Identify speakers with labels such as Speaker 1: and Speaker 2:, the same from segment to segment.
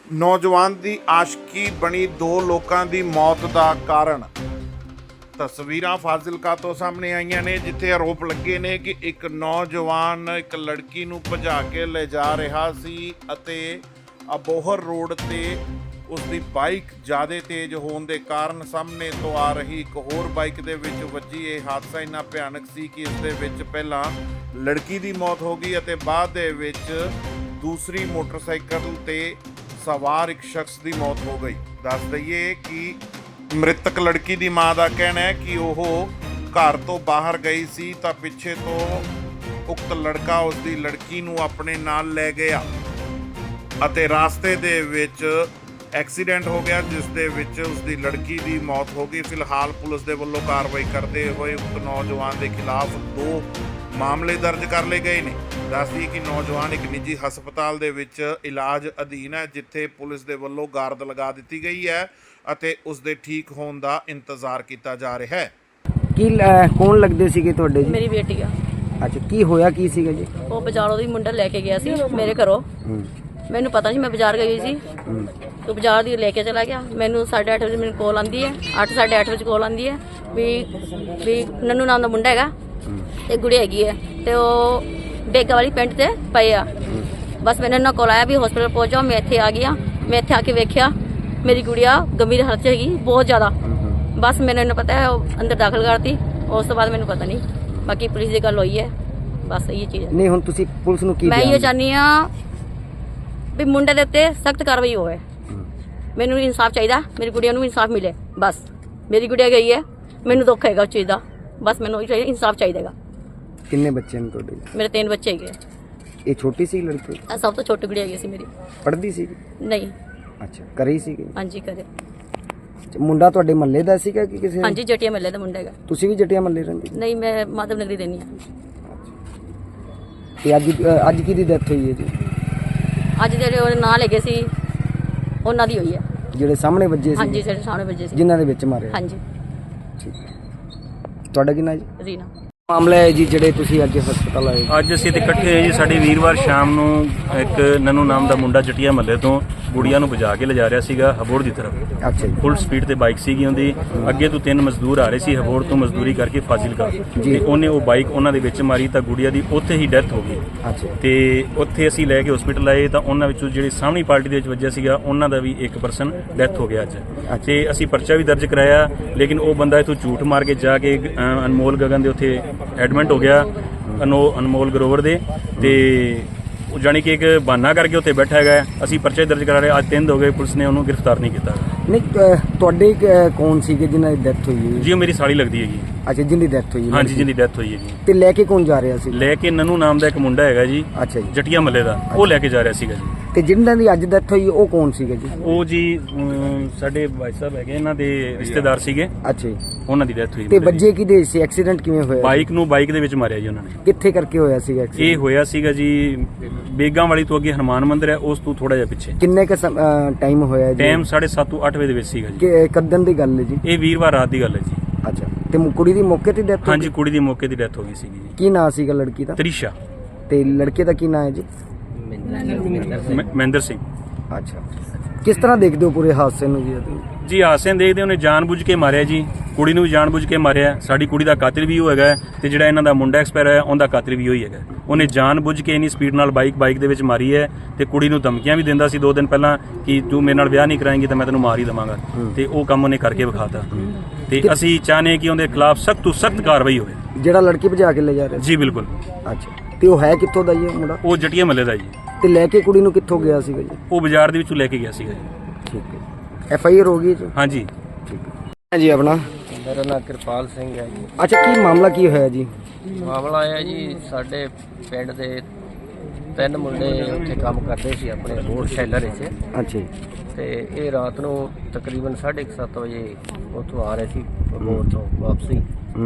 Speaker 1: ਨੌਜਵਾਨ ਦੀ ਆਸ਼ਕੀ ਬਣੀ ਦੋ ਲੋਕਾਂ ਦੀ ਮੌਤ ਦਾ ਕਾਰਨ। ਤਸਵੀਰਾਂ ਫਾਜ਼ਿਲਕਾ ਤੋਂ ਸਾਹਮਣੇ ਆਈਆਂ ਨੇ, ਜਿੱਥੇ ਆਰੋਪ ਲੱਗੇ ਨੇ ਕਿ ਇੱਕ ਨੌਜਵਾਨ ਇੱਕ ਲੜਕੀ ਨੂੰ ਭਜਾ ਕੇ ਲੈ ਜਾ ਰਿਹਾ ਸੀ ਅਤੇ ਅਬੋਹਰ ਰੋਡ ਤੇ ਉਸ ਦੀ ਬਾਈਕ ਜ਼ਿਆਦਾ ਤੇਜ਼ ਹੋਣ ਦੇ ਕਾਰਨ ਸਾਹਮਣੇ ਤੋਂ ਆ ਰਹੀ ਇੱਕ ਹੋਰ ਬਾਈਕ ਦੇ ਵਿੱਚ ਵੱਜੀ। ਇਹ ਹਾਦਸਾ ਇੰਨਾ ਭਿਆਨਕ ਸੀ ਕਿ ਇਸ ਦੇ ਵਿੱਚ ਪਹਿਲਾਂ ਲੜਕੀ ਦੀ ਮੌਤ ਹੋ ਗਈ ਅਤੇ ਬਾਅਦ ਦੇ ਵਿੱਚ ਦੂਸਰੀ ਮੋਟਰਸਾਈਕਲ ਤੇ ਸਵਾਰ ਇੱਕ ਸ਼ਖਸ ਦੀ ਮੌਤ ਹੋ ਗਈ। ਦੱਸ ਦਈਏ ਕਿ ਮ੍ਰਿਤਕ ਲੜਕੀ ਦੀ ਮਾਂ ਦਾ ਕਹਿਣਾ ਹੈ ਕਿ ਉਹ ਘਰ ਤੋਂ ਬਾਹਰ ਗਈ ਸੀ ਤਾਂ ਪਿੱਛੇ ਤੋਂ ਉਕਤ ਲੜਕਾ ਉਸ ਦੀ ਲੜਕੀ ਨੂੰ ਆਪਣੇ ਨਾਲ ਲੈ ਗਿਆ ਅਤੇ ਰਾਸਤੇ ਦੇ ਵਿੱਚ ਐਕਸੀਡੈਂਟ ਹੋ ਗਿਆ, ਜਿਸ ਦੇ ਵਿੱਚ ਉਸ ਦੀ ਲੜਕੀ ਦੀ ਮੌਤ ਹੋ ਗਈ। ਫਿਲਹਾਲ ਪੁਲਿਸ ਦੇ ਵੱਲੋਂ ਕਾਰਵਾਈ ਕਰਦੇ ਹੋਏ ਉਕਤ ਨੌਜਵਾਨ ਦੇ ਖਿਲਾਫ 2 ਮਾਮਲੇ ਦਰਜ ਕਰ ਲਏ ਗਏ ਨੇ। ਦੱਸ ਦਈਏ ਕਿ ਨੌਜਵਾਨ ਇੱਕ ਨਿੱਜੀ ਹਸਪਤਾਲ ਦੇ ਵਿੱਚ ਇਲਾਜ ਅਧੀਨ ਹੈ, ਜਿੱਥੇ ਪੁਲਿਸ ਦੇ ਵੱਲੋਂ ਗਾਰਦ ਲਗਾ ਦਿੱਤੀ ਗਈ ਹੈ ਅਤੇ ਉਸ ਦੇ ਠੀਕ ਹੋਣ ਦਾ ਇੰਤਜ਼ਾਰ ਕੀਤਾ ਜਾ ਰਿਹਾ ਹੈ।
Speaker 2: ਕੀ ਕੌਣ ਲੱਗਦੇ ਸੀਗੇ ਤੁਹਾਡੇ ਜੀ?
Speaker 3: ਮੇਰੀ ਬੇਟੀ ਆ।
Speaker 2: ਅੱਛਾ, ਕੀ ਹੋਇਆ ਕੀ ਸੀਗਾ ਜੀ?
Speaker 3: ਉਹ ਬਾਜ਼ਾਰੋਂ ਦੀ ਮੁੰਡਾ ਲੈ ਕੇ ਗਿਆ ਸੀ ਮੇਰੇ ਘਰੋਂ। ਮੈਨੂੰ ਪਤਾ ਨਹੀਂ, ਮੈਂ ਬਾਜ਼ਾਰ ਗਈ ਸੀ तो बाजार दी लेके चला गया। मैनू 8:30 बजे मेरी कॉल आती है, 8 साढ़े 8 बजे कॉल आती है भी नन्नू नाम का मुंडा है ते गुड़ी हैगी है ते बेगा वाली पिंड से पे आ। बस मैंने ना कॉल आया भी हॉस्पिटल पहुंच जाओ। मैं इत्थे आ गया। मैं इत्थे आके वेख्या मेरी गुड़िया गंभीर हालत च हैगी बहुत ज़्यादा। बस मैंने पता है अंदर दाखिल करती, उस तो बाद मैनू पता नहीं। बाकी पुलिस की गल हुई है, बस ये चीज़
Speaker 2: नहीं हुण तुसीं पुलिस नूं की
Speaker 3: मैं ये चाहनी हाँ भी मुंडे दे उत्ते सख्त कार्रवाई होवे। मैनू इंसाफ चाहिए, मेरी गुड़िया नूं इंसाफ मिले। बस मेरी गुड़िया गई है, मैनू दुख है उस चीज़ का। बस मैनू इंसाफ चाहिए।
Speaker 2: किन्ने बच्चे ने तुहाडे?
Speaker 3: मेरे 3 बच्चे है।
Speaker 2: ये छोटी सी लड़की?
Speaker 3: सब तो छोटी गुड़िया है मेरी।
Speaker 2: पढ़दी सी?
Speaker 3: नहीं।
Speaker 2: अच्छा, करे ही सी?
Speaker 3: हाँ जी करे।
Speaker 2: मुंडा तुहाडे महल्ले दा सीगा कि किसी?
Speaker 3: हाँ जी जटिया महल्ले का मुंडा है।
Speaker 2: तुसीं भी जटिया महल्ले रहिंदे?
Speaker 3: नहीं, मैं माधव नगरी देनी है।
Speaker 2: ते अज किहदी डेथ हुई है जी?
Speaker 3: अज जेडे नां लगे सी उन्हां दी हुई है।
Speaker 2: ਜਿਹੜੇ ਸਾਹਮਣੇ ਵੱਜੇ ਸੀ?
Speaker 3: हाँ जी जेडे सामने बजे सी।
Speaker 2: ਜਿਨ੍ਹਾਂ ਦੇ ਵਿੱਚ ਮਾਰਿਆ?
Speaker 3: हाँ जी।
Speaker 2: ਠੀਕ। ਤੁਹਾਡਾ ਕੀ ਨਾਂ ਜੀ?
Speaker 3: रीना।
Speaker 2: ਮਾਮਲਾ ਹੈ ਜੀ ਜਿਹੜੇ ਤੁਸੀਂ ਅੱਜ ਹਸਪਤਾਲ ਆਏ?
Speaker 4: ਅੱਜ ਅਸੀਂ ਤੇ ਇਕੱਠੇ ਹੋਏ ਜੀ। ਸਾਡੇ ਵੀਰਵਾਰ ਸ਼ਾਮ ਨੂੰ ਇੱਕ ਨਨੂ ਨਾਮ ਦਾ ਮੁੰਡਾ ਜਟੀਆ ਮਹੱਲੇ ਤੋਂ ਗੁੜੀਆ ਨੂੰ ਵਜਾ ਕੇ ਲਿਜਾ ਰਿਹਾ ਸੀਗਾ ਹਬੋੜ ਦੀ ਤਰਫ।
Speaker 2: ਅੱਛਾ ਜੀ।
Speaker 4: ਫੁੱਲ ਸਪੀਡ ਤੇ ਬਾਈਕ ਸੀਗੀ ਉਹਦੀ। ਅੱਗੇ ਤੋਂ 3 ਮਜ਼ਦੂਰ ਆ ਰਹੇ ਸੀ ਹਬੋੜ ਤੋਂ ਮਜ਼ਦੂਰੀ ਕਰਕੇ ਫਾਜ਼ਿਲਕਾ, ਤੇ ਉਹਨੇ ਉਹ ਬਾਈਕ ਉਹਨਾਂ ਦੇ ਵਿੱਚ ਮਾਰੀ ਤਾਂ ਗੁੜੀਆ ਦੀ ਉੱਥੇ ਹੀ ਡੈਥ ਹੋ ਗਈ।
Speaker 2: ਅੱਛਾ।
Speaker 4: ਤੇ ਉੱਥੇ ਅਸੀਂ ਲੈ ਕੇ ਹਸਪੀਟਲ ਆਏ ਤਾਂ ਉਹਨਾਂ ਵਿੱਚੋਂ ਜਿਹੜੀ ਸਾਹਮਣੀ ਪਾਰਟੀ ਦੇ ਵਿੱਚ ਵੱਜਿਆ ਸੀਗਾ ਉਹਨਾਂ ਦਾ ਵੀ 1 ਪਰਸਨ ਡੈਥ ਹੋ ਗਿਆ ਅੱਜ। ਤੇ ਅਸੀਂ ਪਰਚਾ ਵੀ ਦਰਜ ਕਰਾਇਆ, ਲੇਕਿਨ ਉਹ ਬੰਦਾ ਇੱਥੋਂ ਝੂਠ ਮਾਰ ਕੇ ਜਾ ਕੇ ਅਨਮੋਲ ਗਗਨ ਦੇ ਉੱਥੇ ਐਡਮਿਟ ਹੋ ਗਿਆ, ਅਨਮੋਲ ਗਰੋਵਰ ਦੇ। ਤੇ ਜਾਣੀ ਕਿ ਇੱਕ ਬਹਾਨਾ ਕਰਕੇ ਉੱਥੇ ਬੈਠਾ ਹੈਗਾ। ਅਸੀਂ ਪਰਚਾ ਦਰਜ ਕਰਾ ਰਹੇ, ਅੱਜ 3 ਦਿਨ ਹੋ ਗਏ, ਪੁਲਿਸ ਨੇ ਉਹਨੂੰ ਗ੍ਰਿਫਤਾਰ ਨਹੀਂ ਕੀਤਾ।
Speaker 2: ਨਹੀਂ, ਤੁਹਾਡੇ ਕੌਣ ਸੀਗੇ ਜਿਨ੍ਹਾਂ ਦੀ ਡੈਥ ਹੋਈ ਹੈ
Speaker 4: ਜੀ ਉਹ ਮੇਰੀ ਸਾਲੀ ਲੱਗਦੀ ਹੈਗੀ।
Speaker 2: ਅੱਛਾ, ਜਿੰਦੀ ਡੈਥ ਹੋਈ?
Speaker 4: ਹਾਂਜੀ, ਜਿੰਦੀ ਡੈਥ ਹੋਈ ਹੈਗੀ।
Speaker 2: ਤੇ ਲੈ ਕੇ ਕੌਣ ਜਾ ਰਿਹਾ ਸੀ?
Speaker 4: ਲੈ ਕੇ ਨਨੂ ਨਾਮ ਦਾ ਇੱਕ ਮੁੰਡਾ ਹੈਗਾ ਜੀ।
Speaker 2: ਅੱਛਾ ਜੀ।
Speaker 4: ਜਟੀਆ ਮੱਲੇ ਦਾ, ਉਹ ਲੈ ਕੇ ਜਾ ਰਿਹਾ ਸੀਗਾ ਜੀ।
Speaker 2: ਤੇ ਜਿਨ੍ਹਾਂ ਦੀ ਅੱਜ ਡੈਥ ਹੋਈ ਉਹ ਕੌਣ ਸੀਗੇ ਜੀ?
Speaker 4: ਉਹ ਜੀ ਸਾਡੇ ਭਾਈ ਸਾਹਿਬ ਹੈਗੇ, ਇਹਨਾਂ ਦੇ ਰਿਸ਼ਤੇਦਾਰ ਸੀਗੇ।
Speaker 2: ਅੱਛਾ ਜੀ।
Speaker 4: ਉਹਨਾਂ ਦੀ ਡੈਥ ਹੋਈ।
Speaker 2: ਤੇ ਵੱਜੇ ਕਿਹਦੇ ਸੀ? ਐਕਸੀਡੈਂਟ ਕਿਵੇਂ ਹੋਇਆ?
Speaker 4: ਬਾਈਕ ਦੇ ਵਿੱਚ ਮਾਰਿਆ ਜੀ ਉਹਨਾਂ ਨੇ।
Speaker 2: ਕਿੱਥੇ ਕਰਕੇ ਹੋਇਆ ਸੀਗਾ
Speaker 4: ਇਹ
Speaker 2: ਐਕਸੀਡੈਂਟ?
Speaker 4: ਹੋਇਆ ਸੀਗਾ ਜੀ ਬੇਗਾਂ ਵਾਲੀ ਤੋਂ ਅੱਗੇ ਹਨੂਮਾਨ ਮੰਦਿਰ ਹੈ, ਉਸ ਤੋਂ ਥੋੜਾ ਜਿਹਾ ਪਿੱਛੇ।
Speaker 2: ਕਿੰਨੇ ਕ ਟਾਈਮ ਹੋਇਆ ਜੀ?
Speaker 4: ਟਾਈਮ 7:30 ਤੋਂ 8 ਵਜੇ ਦੇ ਵਿੱਚ ਸੀਗਾ ਜੀ।
Speaker 2: ਕਦੋਂ ਦੀ ਗੱਲ ਹੈ ਜੀ?
Speaker 4: ਇਹ ਵੀਰਵਾਰ ਰਾਤ ਦੀ ਗੱਲ ਹੈ ਜੀ।
Speaker 2: ਅੱਛਾ। ਤੇ ਕੁੜੀ ਦੀ ਮੌਕੇ ਤੇ ਡੈਥ?
Speaker 4: ਹਾਂਜੀ, ਕੁੜੀ ਦੀ ਮੌਕੇ ਦੀ ਡੈਥ ਹੋ ਗਈ ਸੀਗੀ ਜੀ।
Speaker 2: ਕੀ ਨਾਂ ਸੀਗਾ ਲੜਕੀ ਦਾ?
Speaker 4: ਤ੍ਰਿਸ਼ਾ।
Speaker 2: ਤੇ ਲੜਕੇ ਦਾ ਕੀ ਨਾਂ ਹੈ ਜੀ?
Speaker 4: ਮਹਿੰਦਰ ਸਿੰਘ।
Speaker 2: ਅੱਛਾ। ਕਿਸ ਤਰ੍ਹਾਂ ਦੇਖਦੇ ਹੋ ਪੂਰੇ ਹਾਦਸੇ ਨੂੰ ਜੀ?
Speaker 4: ਜੀ ਹਾਦਸੇ ਨੂੰ ਦੇਖਦੇ, ਉਹਨੇ ਜਾਣਬੁੱਝ ਕੇ ਮਾਰਿਆ ਜੀ। ਕੁੜੀ ਨੂੰ ਵੀ ਜਾਣਬੁੱਝ ਕੇ ਮਾਰਿਆ। ਸਾਡੀ ਕੁੜੀ ਦਾ ਕਾਤਿਲ ਵੀ ਉਹ ਹੈਗਾ, ਤੇ ਜਿਹੜਾ ਇਹਨਾਂ ਦਾ ਮੁੰਡਾ ਐਕਸਪਾਇਰ ਹੋਇਆ ਉਹਦਾ ਕਾਤਿਲ ਵੀ ਉਹੀ ਹੈਗਾ। ਉਹਨੇ ਜਾਣਬੁੱਝ ਕੇ ਇੰਨੀ ਸਪੀਡ ਨਾਲ ਬਾਈਕ ਦੇ ਵਿੱਚ ਮਾਰੀ ਹੈ, ਤੇ ਕੁੜੀ ਨੂੰ ਧਮਕੀਆਂ ਵੀ ਦਿੰਦਾ ਸੀ 2 ਦਿਨ ਪਹਿਲਾਂ ਕਿ ਤੂੰ ਮੇਰੇ ਨਾਲ ਵਿਆਹ ਨਹੀਂ ਕਰਾਏਂਗੀ ਤਾਂ ਮੈਂ ਤੈਨੂੰ ਮਾਰ ਹੀ ਦੇਵਾਂਗਾ। ਤੇ ਉਹ ਕੰਮ ਉਹਨੇ ਕਰਕੇ ਵਿਖਾਤਾ। ਤੇ ਅਸੀਂ ਚਾਹੁੰਦੇ ਕਿ ਉਹਦੇ ਖਿਲਾਫ ਸਖਤ ਤੋਂ ਸਖਤ ਕਾਰਵਾਈ ਹੋਵੇ।
Speaker 2: ਜਿਹੜਾ ਲੜਕੀ ਭਜਾ ਕੇ ਲੈ ਜਾ ਰਿਹਾ ਸੀ?
Speaker 4: ਜੀ ਬਿਲਕੁਲ।
Speaker 2: ਅੱਛਾ। ਤੇ ਉਹ ਹੈ ਕਿੱਥੋਂ ਦਾ ਜੀ ਮੁੰਡਾ?
Speaker 4: ਉਹ ਜਟੀਆ ਮੱਲੇ ਦਾ ਜੀ।
Speaker 2: ਤੇ ਲੈ ਕੇ ਕੁੜੀ ਨੂੰ ਕਿੱਥੋਂ ਗਿਆ ਸੀਗਾ ਜੀ?
Speaker 4: ਉਹ ਬਾਜ਼ਾਰ ਦੇ ਵਿੱਚੋਂ ਲੈ ਕੇ ਗਿਆ ਸੀਗਾ ਜੀ।
Speaker 2: ਠੀਕ ਹੈ। FIR ਹੋ ਗਈ ਜੀ?
Speaker 4: ਹਾਂਜੀ।
Speaker 2: ਠੀਕ ਹੈ ਜੀ। ਆਪਣਾ?
Speaker 5: ਮੇਰਾ ਨਾਮ ਕਿਰਪਾਲ ਸਿੰਘ ਹੈ ਜੀ।
Speaker 2: ਅੱਛਾ, ਕੀ ਮਾਮਲਾ ਕੀ ਹੋਇਆ ਜੀ?
Speaker 5: ਮਾਮਲਾ ਇਹ ਹੈ ਜੀ, ਸਾਡੇ ਪਿੰਡ ਦੇ 3 ਮੁੰਡੇ ਉੱਥੇ ਕੰਮ ਕਰਦੇ ਸੀ ਆਪਣੇ ਬੋਰਡ ਸ਼ੈਲਰ ਵਿੱਚ।
Speaker 2: ਅੱਛਾ ਜੀ।
Speaker 5: ਤੇ ਇਹ ਰਾਤ ਨੂੰ ਤਕਰੀਬਨ 7:30 ਵਜੇ ਉੱਥੋਂ ਆ ਰਹੇ ਸੀ ਬੋਰਡ ਤੋਂ ਵਾਪਸੀ।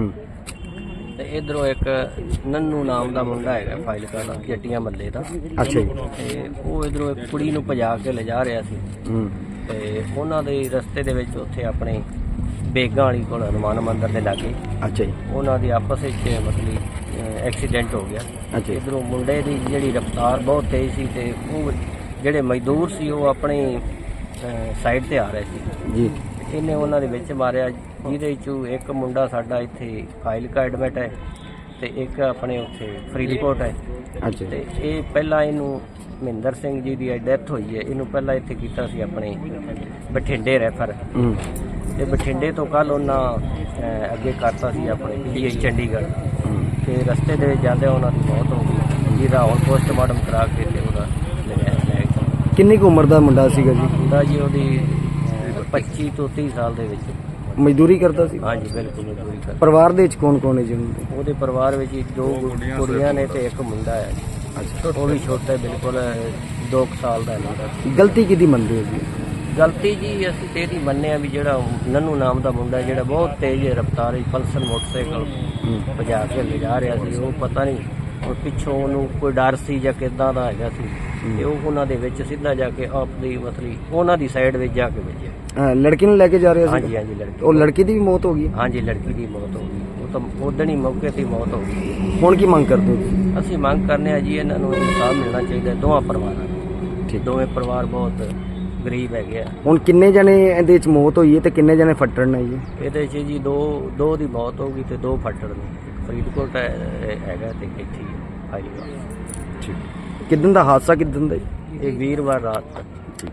Speaker 5: ਤੇ ਇਧਰੋਂ ਇੱਕ ਨੰਨੂ ਨਾਮ ਦਾ ਮੁੰਡਾ ਹੈਗਾ ਫਾਜ਼ਿਲਕਾ ਦਾ, ਜੱਟੀਆਂ ਮੱਲੇ ਦਾ।
Speaker 2: ਅੱਛਾ ਜੀ।
Speaker 5: ਤੇ ਉਹ ਇਧਰੋਂ ਇੱਕ ਕੁੜੀ ਨੂੰ ਭਜਾ ਕੇ ਲਿਜਾ ਰਿਹਾ ਸੀ। ਤੇ ਉਹਨਾਂ ਦੇ ਰਸਤੇ ਦੇ ਵਿੱਚ ਉੱਥੇ ਆਪਣੇ ਬੇਗਾਂ ਵਾਲੀ ਕੋਲ ਹਨੂਮਾਨ ਮੰਦਿਰ ਦੇ ਲਾਗੇ
Speaker 2: ਅੱਛਾ ਜੀ।
Speaker 5: ਉਹਨਾਂ ਦੀ ਆਪਸ ਵਿੱਚ ਮਤਲਬ ਐਕਸੀਡੈਂਟ ਹੋ ਗਿਆ।
Speaker 2: ਅੱਛਾ।
Speaker 5: ਇਧਰੋਂ ਮੁੰਡੇ ਦੀ ਜਿਹੜੀ ਰਫ਼ਤਾਰ ਬਹੁਤ ਤੇਜ਼ ਸੀ ਤੇ ਉਹ ਜਿਹੜੇ ਮਜ਼ਦੂਰ ਸੀ ਉਹ ਆਪਣੀ ਸਾਈਡ ਤੇ ਆ ਰਹੇ ਸੀ
Speaker 2: ਜੀ
Speaker 5: ਇਹਨੇ ਉਹਨਾਂ ਦੇ ਵਿੱਚ ਮਾਰਿਆ, ਜਿਹਦੇ ਚੋਂ ਇੱਕ ਮੁੰਡਾ ਸਾਡਾ ਇੱਥੇ ਫਾਜ਼ਿਲਕਾ ਐਡਮਿਟ ਹੈ ਤੇ ਇੱਕ ਆਪਣੇ ਉੱਥੇ ਫਰੀਦਕੋਟ ਹੈ।
Speaker 2: ਅੱਛਾ
Speaker 5: ਤੇ ਇਹ ਪਹਿਲਾਂ ਇਹਨੂੰ ਮਹਿੰਦਰ ਸਿੰਘ ਜੀ ਦੀ ਡੈਥ ਹੋਈ ਹੈ, ਇਹਨੂੰ ਪਹਿਲਾਂ ਇੱਥੇ ਕੀਤਾ ਸੀ ਆਪਣੇ ਬਠਿੰਡੇ ਰੈਫਰ,
Speaker 2: ਹੂੰ
Speaker 5: ਤੇ ਬਠਿੰਡੇ ਤੋਂ ਕੱਲ ਉਹਨਾਂ ਅੱਗੇ ਕਰਤਾ ਸੀ ਆਪਣੇ PGI ਚੰਡੀਗੜ੍ਹ, ਤੇ ਰਸਤੇ ਦੇ ਵਿੱਚ ਜਾਂਦੇ ਉਹਨਾਂ ਦੀ ਮੌਤ ਹੋ ਗਈ, ਜਿਹਦਾ ਹੁਣ ਪੋਸਟਮਾਰਟਮ ਕਰਾ ਕੇ ਤੇ ਉਹਦਾ ਲੈ ਗਿਆ।
Speaker 2: ਕਿੰਨੀ ਕੁ ਉਮਰ ਦਾ ਮੁੰਡਾ ਸੀਗਾ ਜੀ?
Speaker 5: ਮੁੰਡਾ ਜੀ ਉਹਦੀ 25 ਤੋਂ 30 ਸਾਲ ਦੇ ਵਿੱਚ।
Speaker 2: ਮਜ਼ਦੂਰੀ ਕਰਦਾ ਸੀ?
Speaker 5: ਹਾਂਜੀ ਬਿਲਕੁਲ ਮਜ਼ਦੂਰੀ ਕਰ।
Speaker 2: ਪਰਿਵਾਰ ਦੇ ਵਿੱਚ ਕੌਣ ਕੌਣ ਹੈ ਜੀ ਉਹਨਾਂ ਦੇ?
Speaker 5: ਉਹਦੇ ਪਰਿਵਾਰ ਵਿੱਚ 2 ਕੁੜੀਆਂ ਨੇ ਤੇ ਇੱਕ ਮੁੰਡਾ ਹੈ।
Speaker 2: ਅੱਛਾ,
Speaker 5: ਉਹ ਵੀ ਛੋਟਾ ਬਿਲਕੁਲ 2 ਸਾਲ ਦਾ ਮੁੰਡਾ।
Speaker 2: ਗਲਤੀ ਕਿਹਦੀ ਮੰਨਦੇ ਹੋ ਜੀ?
Speaker 5: ਗਲਤੀ ਜੀ ਅਸੀਂ ਤੇ ਇਹਦੀ ਮੰਨਿਆ ਵੀ ਜਿਹੜਾ ਨੰਨੂ ਨਾਮ ਦਾ ਮੁੰਡਾ ਜਿਹੜਾ ਬਹੁਤ ਤੇਜ਼ ਰਫ਼ਤਾਰ ਵਿੱਚ ਪਲਸਰ ਮੋਟਰਸਾਈਕਲ ਭਜਾ ਕੇ ਲਿਜਾ ਰਿਹਾ ਸੀ, ਉਹ ਪਤਾ ਨਹੀਂ ਉਹ ਪਿੱਛੋਂ ਉਹਨੂੰ ਕੋਈ ਡਰ ਸੀ ਜਾਂ ਕਿੱਦਾਂ ਦਾ ਹੈਗਾ ਸੀ, ਤੇ ਉਹ ਉਹਨਾਂ ਦੇ ਵਿੱਚ ਸਿੱਧਾ ਜਾ ਕੇ ਆਪਣੀ ਮਤਲਬ ਉਹਨਾਂ ਦੀ ਸਾਈਡ ਵਿੱਚ ਜਾ ਕੇ ਵੱਜਿਆ।
Speaker 2: ਲੜਕੀ ਨੂੰ ਲੈ ਕੇ ਜਾ ਰਿਹਾ ਸੀ?
Speaker 5: ਹਾਂਜੀ ਹਾਂਜੀ ਲੜਕੀ।
Speaker 2: ਉਹ ਲੜਕੀ ਦੀ ਵੀ ਮੌਤ ਹੋ ਗਈ?
Speaker 5: ਹਾਂਜੀ ਲੜਕੀ ਦੀ ਮੌਤ ਹੋ ਗਈ, ਉਹ ਤਾਂ ਉਦਣ ਹੀ ਮੌਕੇ ਤੇ ਮੌਤ ਹੋ ਗਈ।
Speaker 2: ਹੁਣ ਕੀ ਮੰਗ ਕਰਦੇ ਹੋ ਤੁਸੀਂ?
Speaker 5: ਅਸੀਂ ਮੰਗ ਕਰਨੇ ਆ ਜੀ ਇਹਨਾਂ ਨੂੰ ਇਨਸਾਫ ਮਿਲਣਾ ਚਾਹੀਦਾ ਦੋਵਾਂ ਪਰਿਵਾਰਾਂ ਨੂੰ।
Speaker 2: ਠੀਕ।
Speaker 5: ਦੋਵੇਂ ਪਰਿਵਾਰ ਬਹੁਤ ਗਰੀਬ ਹੈਗੇ ਆ।
Speaker 2: ਹੁਣ ਕਿੰਨੇ ਜਣੇ ਇਹਦੇ ਵਿੱਚ ਮੌਤ ਹੋਈ ਹੈ ਤੇ ਕਿੰਨੇ ਜਣੇ ਫੱਟੜ ਨੇ ਜੀ?
Speaker 5: ਇਹਦੇ 'ਚ ਜੀ ਦੋ ਦੀ ਮੌਤ ਹੋ ਗਈ ਤੇ 2 ਫੱਟੜ ਨੇ। ਇੱਕ ਫਰੀਦਕੋਟ ਹੈਗਾ ਤੇ ਇੱਥੇ ਹੀ ਫਾਜ਼ਿਲਕਾ।
Speaker 2: ਠੀਕ। ਕਿੱਦਣ ਦਾ ਹਾਦਸਾ ਕਿੱਦਣ ਦਾ ਜੀ?
Speaker 5: ਇਹ ਵੀਰਵਾਰ ਰਾਤ ਦਾ।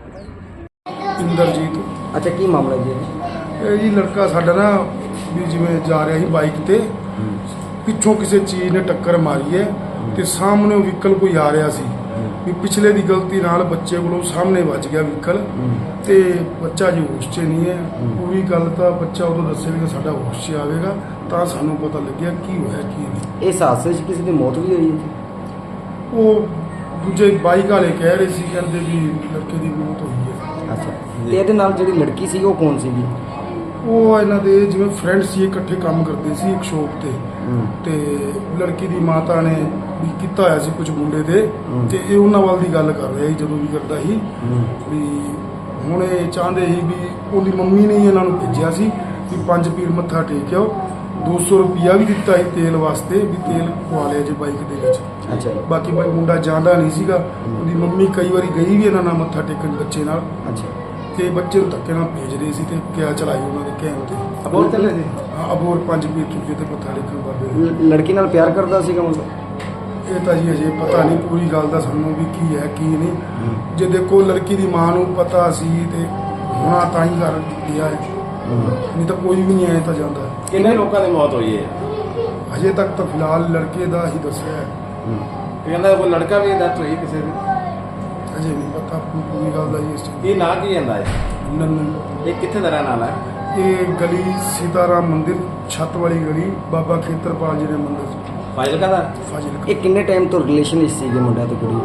Speaker 6: ਇੰਦਰਜੀਤ।
Speaker 2: ਅੱਛਾ, ਕੀ ਮਾਮਲਾ ਜੀ ਇਹ?
Speaker 6: ਇਹ ਜੀ ਲੜਕਾ ਸਾਡਾ ਨਾ ਵੀ ਜਿਵੇਂ ਜਾ ਰਿਹਾ ਸੀ ਬਾਈਕ ਤੇ, ਪਿੱਛੋਂ ਕਿਸੇ ਚੀਜ਼ ਨੇ ਟੱਕਰ ਮਾਰੀ ਹੈ ਤੇ ਸਾਹਮਣੇ ਵਹੀਕਲ ਕੋਈ ਆ ਰਿਹਾ ਸੀ, ਵੀ ਪਿਛਲੇ ਦੀ ਗਲਤੀ ਨਾਲ ਬੱਚੇ ਕੋਲੋਂ ਸਾਹਮਣੇ ਵੱਜ ਗਿਆ ਵਹੀਕਲ, ਤੇ ਬੱਚਾ ਜੀ ਹੋਸ਼ 'ਚ ਨਹੀਂ ਹੈ। ਪੂਰੀ ਗੱਲ ਤਾਂ ਬੱਚਾ ਉਦੋਂ ਦੱਸੇਗਾ ਸਾਡਾ ਹੋਸ਼ 'ਚ ਆਵੇਗਾ ਤਾਂ ਸਾਨੂੰ ਪਤਾ ਲੱਗਿਆ ਕੀ ਹੋਇਆ ਕੀ ਨਹੀਂ।
Speaker 2: ਇਸ ਹਾਦਸੇ 'ਚ ਕਿਸੇ ਦੀ ਮੌਤ ਵੀ ਹੋਈ ਹੈ ਜੀ?
Speaker 6: ਉਹ ਦੂਜੇ ਬਾਈਕ ਵਾਲੇ ਕਹਿ ਰਹੇ ਸੀ, ਕਹਿੰਦੇ ਵੀ ਲੜਕੇ ਦੀ ਮੌਤ ਹੋਈ ਹੈ।
Speaker 2: ਅੱਛਾ, ਤੇ ਇਹਦੇ ਨਾਲ ਜਿਹੜੀ ਲੜਕੀ ਸੀ ਉਹ ਕੌਣ ਸੀਗੀ?
Speaker 6: ਉਹ ਇਹਨਾਂ ਦੇ ਜਿਵੇਂ ਫਰੈਂਡ ਸੀ, ਇਕੱਠੇ ਕੰਮ ਕਰਦੇ ਸੀ ਇੱਕ ਸ਼ੋਪ ਤੇ, ਤੇ ਲੜਕੀ ਦੀ ਮਾਤਾ ਨੇ ਵੀ ਕੀਤਾ ਹੋਇਆ ਸੀ ਕੁਝ ਮੁੰਡੇ ਦੇ, ਤੇ ਇਹ ਉਹਨਾਂ ਵੱਲ ਦੀ ਗੱਲ ਕਰ ਰਿਹਾ ਸੀ ਜਦੋਂ ਵੀ ਕਰਦਾ ਸੀ ਵੀ ਹੁਣ ਇਹ ਚਾਹੁੰਦੇ ਸੀ ਵੀ ਉਹਦੀ ਮੰਮੀ ਨੇ ਹੀ ਇਹਨਾਂ ਨੂੰ ਭੇਜਿਆ ਸੀ ਵੀ 5 ਪੀਰ ਮੱਥਾ ਟੇਕ ਆਓ, 200 ਰੁਪਿਆ ਵੀ ਦਿੱਤਾ ਸੀ ਤੇਲ ਵਾਸਤੇ ਵੀ ਤੇਲ ਪਵਾ ਲਿਆ ਜੇ ਬਾਈਕ ਦੇ ਵਿੱਚ।
Speaker 2: ਅੱਛਾ
Speaker 6: ਬਾਕੀ ਬਾਈ ਮੁੰਡਾ ਜਾਂਦਾ ਨਹੀਂ ਸੀਗਾ, ਉਹਦੀ ਮੰਮੀ ਕਈ ਵਾਰੀ ਗਈ ਵੀ ਇਹਨਾਂ ਨਾਲ ਮੱਥਾ ਟੇਕਣ ਬੱਚੇ ਨਾਲ,
Speaker 2: ਅੱਛਾ।
Speaker 6: ਤੇ ਬੱਚੇ ਨੂੰ ਧੱਕੇ ਨਾਲ ਭੇਜ ਰਹੇ ਸੀ ਤੇ ਕਿਆ ਚਲਾਈ ਉਹਨਾਂ ਦੇ ਕਹਿਣ ਤੇ।
Speaker 2: ਅਬੋਰ ਚੱਲੇ ਸੀ?
Speaker 6: ਹਾਂ, ਅਬੋਰ 5 ਪੀਰ ਚੁੱਕੇ ਤੇ ਮੱਥਾ ਟੇਕਣ ਬਾਬੇ।
Speaker 2: ਲੜਕੀ ਨਾਲ ਪਿਆਰ ਕਰਦਾ ਸੀਗਾ ਮੁੰਡਾ?
Speaker 6: ਇਹ ਤਾਂ ਜੀ ਅਜੇ ਪਤਾ ਨਹੀਂ ਪੂਰੀ ਗੱਲ ਦਾ ਸਾਨੂੰ ਵੀ ਕੀ ਹੈ ਕੀ ਨਹੀਂ। ਜੇ ਦੇਖੋ ਲੜਕੀ ਦੀ ਮਾਂ ਨੂੰ ਪਤਾ ਸੀ ਤੇ ਹੁਣਾ ਤਾਂ ਹੀ ਕਰ ਦਿਆ ਹੈ, ਨਹੀਂ ਤਾਂ ਕੋਈ ਵੀ ਨਹੀਂ ਆਇਆ ਤਾਂ ਜਾਂਦਾ।
Speaker 2: ਕਿੰਨੇ ਲੋਕਾਂ ਦੀ ਮੌਤ ਹੋਈ ਹੈ?
Speaker 6: ਅਜੇ ਤੱਕ ਤਾਂ ਫਿਲਹਾਲ ਲੜਕੇ ਦਾ ਹੀ ਦੱਸਿਆ ਹੈ,
Speaker 2: ਕਹਿੰਦਾ ਕੋਈ ਲੜਕਾ ਵੀ ਡੈਥ ਹੋਈ ਕਿਸੇ ਦੀ?
Speaker 6: ਅਜੇ ਨਹੀਂ ਪਤਾ ਪੂਰੀ ਗੱਲ ਦਾ ਜੀ ਇਸ ਚੀਜ਼
Speaker 2: ਇਹ ਨਾਂ ਕੀ ਜਾਂਦਾ ਹੈ?
Speaker 6: ਦਾ। ਨੰਨੂ।
Speaker 2: ਇਹ ਕਿੱਥੇ ਦਾ ਰਹਿਣ ਵਾਲਾ ਹੈ?
Speaker 6: ਇਹ ਗਲੀ ਸੀਤਾਰਾਮ ਮੰਦਿਰ, ਛੱਤ ਵਾਲੀ ਗਲੀ, ਬਾਬਾ ਖੇਤਰਪਾਲ ਜੀ ਦੇ ਮੰਦਿਰ
Speaker 2: ਫਾਜ਼ਿਲਕਾ ਦਾ?
Speaker 6: ਫਾਜ਼ਿਲਕਾ।
Speaker 2: ਇਹ ਕਿੰਨੇ ਟਾਈਮ ਤੋਂ ਰਿਲੇਸ਼ਨ ਵਿੱਚ ਸੀਗੇ ਮੁੰਡਾ ਤੇ ਕੁੜੀ?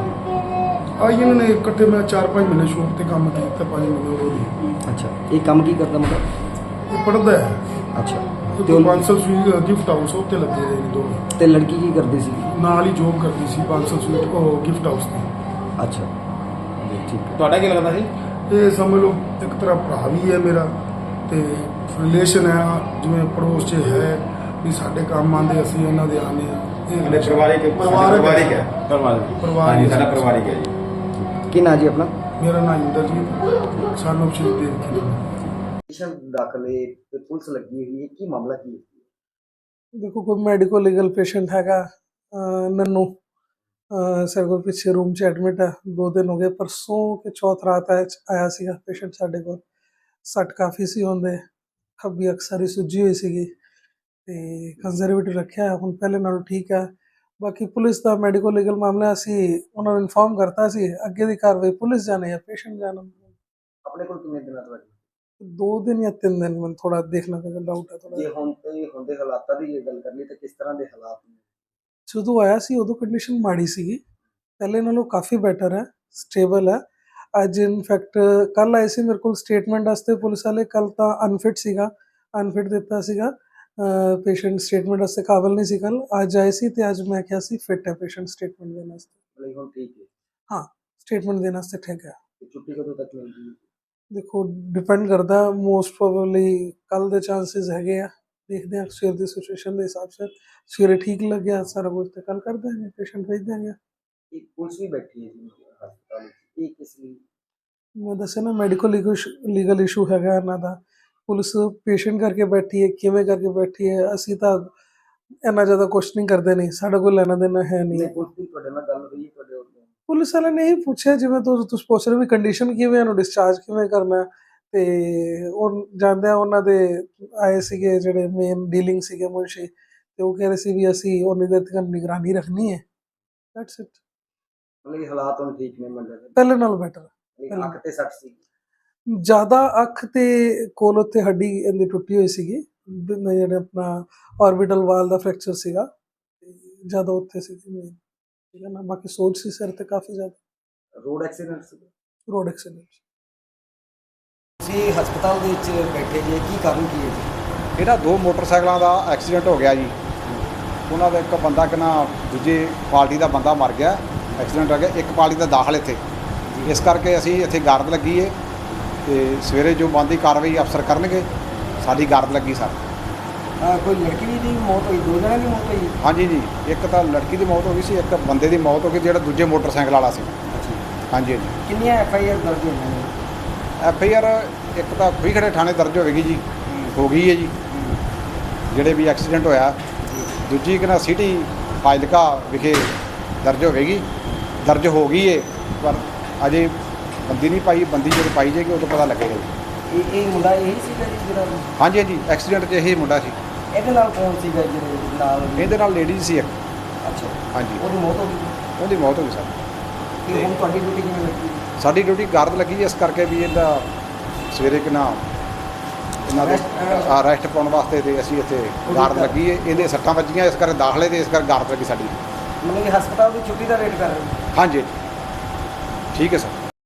Speaker 6: ਆਈ ਇਹਨਾਂ ਨੇ ਇਕੱਠੇ ਮੈਂ 4-5 ਮਹੀਨੇ ਸ਼ੋਪ ਤੇ ਕੰਮ ਕੀਤਾ, 5 ਮਹੀਨੇ ਹੋ ਗਏ।
Speaker 2: ਅੱਛਾ, ਇਹ ਕੰਮ ਕੀ ਕਰਦਾ ਮੁੰਡਾ?
Speaker 6: ਇਹ ਪੜ੍ਹਦਾ ਹੈ
Speaker 2: ਅੱਛਾ,
Speaker 6: ਤੇ ਬਾਂਸਲ ਸਵੀਟ ਗਿਫਟ ਹਾਊਸ ਉੱਤੇ ਲੱਗੇ ਰਹੇ ਨੇ ਦੋਵੇਂ।
Speaker 2: ਤੇ ਲੜਕੀ ਕੀ ਕਰਦੀ ਸੀ?
Speaker 6: ਨਾਲ ਹੀ ਜੋਬ ਕਰਦੀ ਸੀ ਬਾਂਸਲ ਸਵੀਟ ਉਹ ਗਿਫਟ ਹਾਊਸ ਦੀ।
Speaker 2: ਅੱਛਾ, ਠੀਕ। ਤੁਹਾਡਾ ਕੀ ਲੱਗਦਾ ਸੀ?
Speaker 6: ਇਹ ਸਮਝ ਲਓ ਇੱਕ ਤਰ੍ਹਾਂ ਭਰਾ ਵੀ ਹੈ ਮੇਰਾ, ਤੇ ਰਿਲੇਸ਼ਨ ਹੈ ਜਿਵੇਂ ਪੜੋਸ 'ਚ ਹੈ ਵੀ ਸਾਡੇ ਕੰਮ ਆਉਂਦੇ, ਅਸੀਂ ਇਹਨਾਂ ਦੇ ਆਉਂਦੇ ਹਾਂ। ਇਹ
Speaker 7: ਪਰਿਵਾਰਿਕ ਹੈ।
Speaker 6: ਪਰਿਵਾਰ ਹੀ
Speaker 7: ਸਾਡਾ ਪਰਿਵਾਰਿਕ ਹੈ ਜੀ।
Speaker 2: ਕੀ ਨਾਂ ਜੀ ਆਪਣਾ?
Speaker 6: ਮੇਰਾ ਨਾਮ ਇੰਦਰਜੀਤ, ਸਾਨੂੰ ਸ਼੍ਰੀ ਦੇਵ ਜੀ।
Speaker 2: ਪੇਸ਼ੈਂਟ ਦਾਖਲੇ ਤੇ ਪੁਲਿਸ ਲੱਗੀ ਹੋਈ ਹੈ, ਕੀ ਮਾਮਲਾ ਕੀ ਹੈ?
Speaker 8: ਦੇਖੋ ਕੋਈ ਮੈਡੀਕਲ ਲੀਗਲ ਪੇਸ਼ੈਂਟ ਹੈਗਾ ਨੰਨੂ, ਸਾਡੇ ਕੋਲ ਪਿੱਛੇ ਰੂਮ 'ਚ ਐਡਮਿਟ ਹੈ, 2 ਦਿਨ ਹੋ ਗਏ। ਪਰਸੋਂ ਕਿ ਚੌਥ ਰਾਤ ਆਇਆ ਸੀਗਾ ਪੇਸ਼ੈਂਟ ਸਾਡੇ ਕੋਲ। ਸੱਟ ਕਾਫੀ ਸੀ ਹੁੰਦੇ, ਖੱਬੀ ਅੱਖ ਸਾਰੀ ਸੁੱਜੀ ਹੋਈ ਸੀਗੀ ਤੇ ਕੰਜ਼ਰਵੇਟਿਵ ਰੱਖਿਆ, ਹੁਣ ਪਹਿਲੇ ਨਾਲੋਂ ਠੀਕ ਹੈ। ਬਾਕੀ ਪੁਲਿਸ ਦਾ ਮੈਡੀਕਲ ਲੀਗਲ ਮਾਮਲਾ ਅਸੀਂ ਉਹਨਾਂ ਨੂੰ ਇਨਫੋਰਮ ਕਰਤਾ ਸੀ, ਅੱਗੇ ਦੀ ਕਾਰਵਾਈ ਪੁਲਿਸ ਜਾਣੇ ਜਾਂ ਪੇਸ਼ੈਂਟ ਜਾਣਾ।
Speaker 2: ਆਪਣੇ ਕੋਲ ਕਿੰਨੇ ਦਿਨਾਂ ਤੋਂ?
Speaker 8: 2 ਦਿਨ ਜਾਂ 3 ਦਿਨ, ਮੈਨੂੰ ਥੋੜਾ ਦੇਖਣਾ ਪਏਗਾ, ਡਾਊਟ ਹੈ ਥੋੜਾ।
Speaker 2: ਜੇ ਹੁਣ ਤੇ ਹੁੰਦੇ ਹਾਲਾਤਾਂ ਦੀ ਜੇ ਗੱਲ ਕਰ ਲਈ ਤਾਂ ਕਿਸ ਤਰ੍ਹਾਂ ਦੇ ਹਾਲਾਤ ਨੇ?
Speaker 8: ਜਦੋਂ ਆਇਆ ਸੀ ਉਦੋਂ ਕੰਡੀਸ਼ਨ ਮਾੜੀ ਸੀਗੀ, ਪਹਿਲੇ ਨਾਲੋਂ ਕਾਫੀ ਬੈਟਰ ਹੈ, ਸਟੇਬਲ ਹੈ। ਅੱਜ ਇਨਫੈਕਟ ਕੱਲ ਆਏ ਸੀ ਮੇਰੇ ਕੋਲ ਸਟੇਟਮੈਂਟ ਵਾਸਤੇ ਪੁਲਿਸ ਵਾਲੇ, ਕੱਲ ਤਾਂ ਅਨਫਿਟ ਸੀਗਾ, ਅਨਫਿਟ ਦਿੱਤਾ ਸੀਗਾ ਪੇਸ਼ੈਂਟ, ਸਟੇਟਮੈਂਟ ਵਾਸਤੇ ਕਾਬਲ ਨਹੀਂ ਸੀ ਕੱਲ। ਅੱਜ ਆਏ ਸੀ ਤੇ ਅੱਜ ਮੈਂ ਕਿਹਾ ਸੀ ਫਿਟ ਹੈ ਪੇਸ਼ੈਂਟ ਸਟੇਟਮੈਂਟ ਦੇਣ ਵਾਸਤੇ।
Speaker 2: ਹੁਣ ਠੀਕ ਹੈ?
Speaker 8: ਹਾਂ, ਸਟੇਟਮੈਂਟ ਦੇਣ ਵਾਸਤੇ ਠੀਕ ਹੈ।
Speaker 2: ਛੁੱਟੀ ਕਦੋਂ ਤੱਕ ਮਿਲਦੀ ਹੈ?
Speaker 8: ਦੇਖੋ ਡਿਪੈਂਡ ਕਰਦਾ, ਮੋਸਟ ਪ੍ਰੋਬੇਬਲੀ ਕੱਲ ਦੇ ਚਾਂਸਸ ਹੈਗੇ ਆ, ਦੇਖਦੇ ਹਾਂ ਸਵੇਰ ਦੀ ਸਿਚੁਏਸ਼ਨ ਦੇ ਹਿਸਾਬ ਸੇ। ਸਵੇਰੇ ਠੀਕ ਲੱਗਿਆ ਸਾਰਾ ਕੁਝ ਤੇ ਕੱਲ ਕਰ ਦੇंगे, ਪੇਸ਼ੈਂਟ ਭੇਜ ਦੇंगे।
Speaker 2: ਇੱਕ ਪੁਲਿਸ ਵੀ ਬੈਠੀ ਹੈ ਜੀ ਹਸਪਤਾਲ ਵਿੱਚ? ਇਹ ਕਿਸ ਲਈ?
Speaker 8: ਮੈਂ ਦੱਸਿਆ ਨਾ ਮੈਡੀਕਲ ਲੀਗਲ ਇਸ਼ੂ ਹੈਗਾ ਇਹਨਾਂ ਦਾ। ਪੁਲਿਸ ਪੇਸ਼ੈਂਟ ਕਰਕੇ ਬੈਠੀ ਹੈ, ਕਿਵੇਂ ਕਰਕੇ ਬੈਠੀ ਹੈ, ਅਸੀਂ ਤਾਂ ਇੰਨਾ ਜ਼ਿਆਦਾ ਕੁਐਸਚਨਿੰਗ ਕਰਦੇ ਨਹੀਂ, ਸਾਡਾ ਕੋਈ ਲੈਣਾ ਦੇਣਾ ਹੈ ਨਹੀਂ।
Speaker 2: ਉਸ ਦਿਨ ਤੁਹਾਡੇ ਨਾਲ ਗੱਲ ਹੋਈ ਤੁਹਾਡੇ
Speaker 8: ਪੁਲਿਸ ਵਾਲਿਆਂ ਨੇ ਇਹੀ ਪੁੱਛਿਆ ਜਿਵੇਂ ਤੁਸੀਂ ਪੁੱਛ ਰਹੇ ਵੀ ਕੰਡੀਸ਼ਨ ਕਿਵੇਂ, ਇਹਨੂੰ ਡਿਸਚਾਰਜ ਕਿਵੇਂ ਕਰਨਾ ਹੈ। ਤੇ ਉਹ ਜਾਂਦਿਆਂ ਉਹਨਾਂ ਦੇ ਆਏ ਸੀਗੇ ਜਿਹੜੇ ਮੇਨ ਡੀਲਿੰਗ ਸੀਗੇ ਮੁਨਸ਼ੀ, ਤੇ ਉਹ ਕਹਿ ਰਹੇ ਸੀ ਵੀ ਅਸੀਂ ਉਨੀ ਦੇਰ ਤੱਕ ਨਿਗਰਾਨੀ ਰੱਖਣੀ ਹੈ। That's it.
Speaker 2: ਮਤਲਬ ਕਿ ਹਾਲਾਤ ਹੁਣ ਠੀਕ ਨੇ ਮੁੰਡੇ ਦੇ,
Speaker 8: ਪਹਿਲੇ ਨਾਲੋਂ ਬੈਟਰ।
Speaker 2: ਅੱਖ ਤੇ ਸੱਟ ਸੀ?
Speaker 8: ਜ਼ਿਆਦਾ ਅੱਖ ਤੇ ਕੋਲ ਉੱਥੇ ਹੱਡੀ ਇਹਦੀ ਟੁੱਟੀ ਹੋਈ ਸੀਗੀ, ਜਿਹੜਾ ਆਪਣਾ ਆਰਬਿਟਲ ਵਾਲ ਦਾ ਫ੍ਰੈਕਚਰ ਸੀਗਾ, ਜ਼ਿਆਦਾ ਉੱਥੇ ਸੀਗੀ ਮੇਨ, ਠੀਕ ਹੈ ਨਾ। ਬਾਕੀ ਸੋਜ ਸੀ ਸਿਰ ਤੇ ਕਾਫੀ ਜ਼ਿਆਦਾ।
Speaker 2: ਰੋਡ ਐਕਸੀਡੈਂਟ ਸੀ?
Speaker 8: Road accident.
Speaker 2: ਤੁਸੀਂ ਹਸਪਤਾਲ ਦੇ ਵਿੱਚ ਬੈਠੇ ਜੀ, ਕੀ ਕਾਰਨ ਕੀ ਹੈ ਜੀ?
Speaker 9: ਇਹਦਾ 2 ਮੋਟਰਸਾਈਕਲਾਂ ਦਾ ਐਕਸੀਡੈਂਟ ਹੋ ਗਿਆ ਜੀ। ਉਹਨਾਂ ਦਾ ਇੱਕ ਬੰਦਾ ਕਿਨਾ ਦੂਜੇ ਪਾਰਟੀ ਦਾ ਬੰਦਾ ਮਰ ਗਿਆ, ਐਕਸੀਡੈਂਟ ਹੋ ਗਿਆ, ਇੱਕ ਪਾਰਟੀ ਦਾ ਦਾਖਲ ਇੱਥੇ। ਇਸ ਕਰਕੇ ਅਸੀਂ ਇੱਥੇ ਗਾਰਡ ਲੱਗੀ ਏ ਤੇ ਸਵੇਰੇ ਜੋ ਬਣਦੀ ਕਾਰਵਾਈ ਅਫਸਰ ਕਰਨਗੇ। ਸਾਡੀ ਗਾਰਡ ਲੱਗੀ ਸਰ।
Speaker 2: ਕੋਈ ਲੜਕੀ ਦੀ ਮੌਤ ਹੋਈ, 2 ਜਣਿਆਂ ਦੀ ਮੌਤ ਹੋਈ?
Speaker 9: ਹਾਂਜੀ ਜੀ, ਇੱਕ ਤਾਂ ਲੜਕੀ ਦੀ ਮੌਤ ਹੋ ਗਈ ਸੀ, ਇੱਕ ਬੰਦੇ ਦੀ ਮੌਤ ਹੋ ਗਈ ਜਿਹੜਾ ਦੂਜੇ ਮੋਟਰਸਾਈਕਲ ਵਾਲਾ ਸੀ। ਹਾਂਜੀ ਹਾਂਜੀ।
Speaker 2: ਕਿੰਨੀਆਂ FIR ਦਰਜ ਹੋਈਆਂ ਨੇ?
Speaker 9: FIR ਇੱਕ ਤਾਂ ਖੜੇ ਥਾਣੇ ਦਰਜ ਹੋਵੇਗੀ ਜੀ, ਹੋ ਗਈ ਹੈ ਜੀ ਜਿਹੜੇ ਵੀ ਐਕਸੀਡੈਂਟ ਹੋਇਆ। ਦੂਜੀ ਕਿਨਾ ਸਿਟੀ ਫਾਜ਼ਿਲਕਾ ਵਿਖੇ ਦਰਜ ਹੋਵੇਗੀ, ਦਰਜ ਹੋ ਗਈ ਹੈ, ਪਰ ਅਜੇ ਬੰਦੀ ਨਹੀਂ ਪਾਈ। ਬੰਦੀ ਜਦੋਂ ਪਾਈ ਜਾਏਗੀ ਉਦੋਂ ਪਤਾ ਲੱਗੇਗਾ ਜੀ।
Speaker 2: ਇਹ ਮੁੰਡਾ ਇਹੀ ਸੀਗਾ ਜੀ ਜਿਹੜਾ?
Speaker 9: ਹਾਂਜੀ ਹਾਂਜੀ, ਐਕਸੀਡੈਂਟ 'ਚ ਇਹੀ ਮੁੰਡਾ ਸੀ।
Speaker 2: ਇਹਦੇ ਨਾਲ ਕੌਣ ਸੀਗਾ ਜਿਹਦੇ ਨਾਲ?
Speaker 9: ਇਹਦੇ ਨਾਲ ਲੇਡੀਜ਼ ਸੀ ਇੱਕ।
Speaker 2: ਅੱਛਾ।
Speaker 9: ਹਾਂਜੀ,
Speaker 2: ਉਹਦੀ ਮੌਤ ਹੋ ਗਈ?
Speaker 9: ਉਹਦੀ ਮੌਤ ਹੋ ਗਈ ਸਰ।
Speaker 2: ਤੇ ਹੁਣ ਤੁਹਾਡੀ ਡਿਊਟੀ ਕਿਵੇਂ ਲੱਗੀ?
Speaker 9: ਸਾਡੀ ਡਿਊਟੀ ਗਾਰਡ ਲੱਗੀ ਇਸ ਕਰਕੇ ਵੀ ਇਹਦਾ ਸਵੇਰੇ ਕਿਨਾ ਇਹਨਾਂ ਦੇ ਅਰੈਸਟ ਪਾਉਣ ਵਾਸਤੇ ਤੇ ਅਸੀਂ ਇੱਥੇ ਗਾਰਡ ਲੱਗੀ ਹੈ। ਇਹਦੇ ਸੱਟਾਂ ਵੱਜੀਆਂ ਇਸ ਕਰਕੇ ਦਾਖਲੇ ਤੇ ਇਸ ਕਰਕੇ ਗਾਰਡ ਲੱਗੀ ਸਾਡੀ।
Speaker 2: ਮਤਲਬ ਕਿ ਹਸਪਤਾਲ ਦੀ ਛੁੱਟੀ ਦਾ ਵੇਟ ਕਰ ਰਹੇ ਹੋ?
Speaker 9: ਹਾਂਜੀ ਠੀਕ ਹੈ ਸਰ।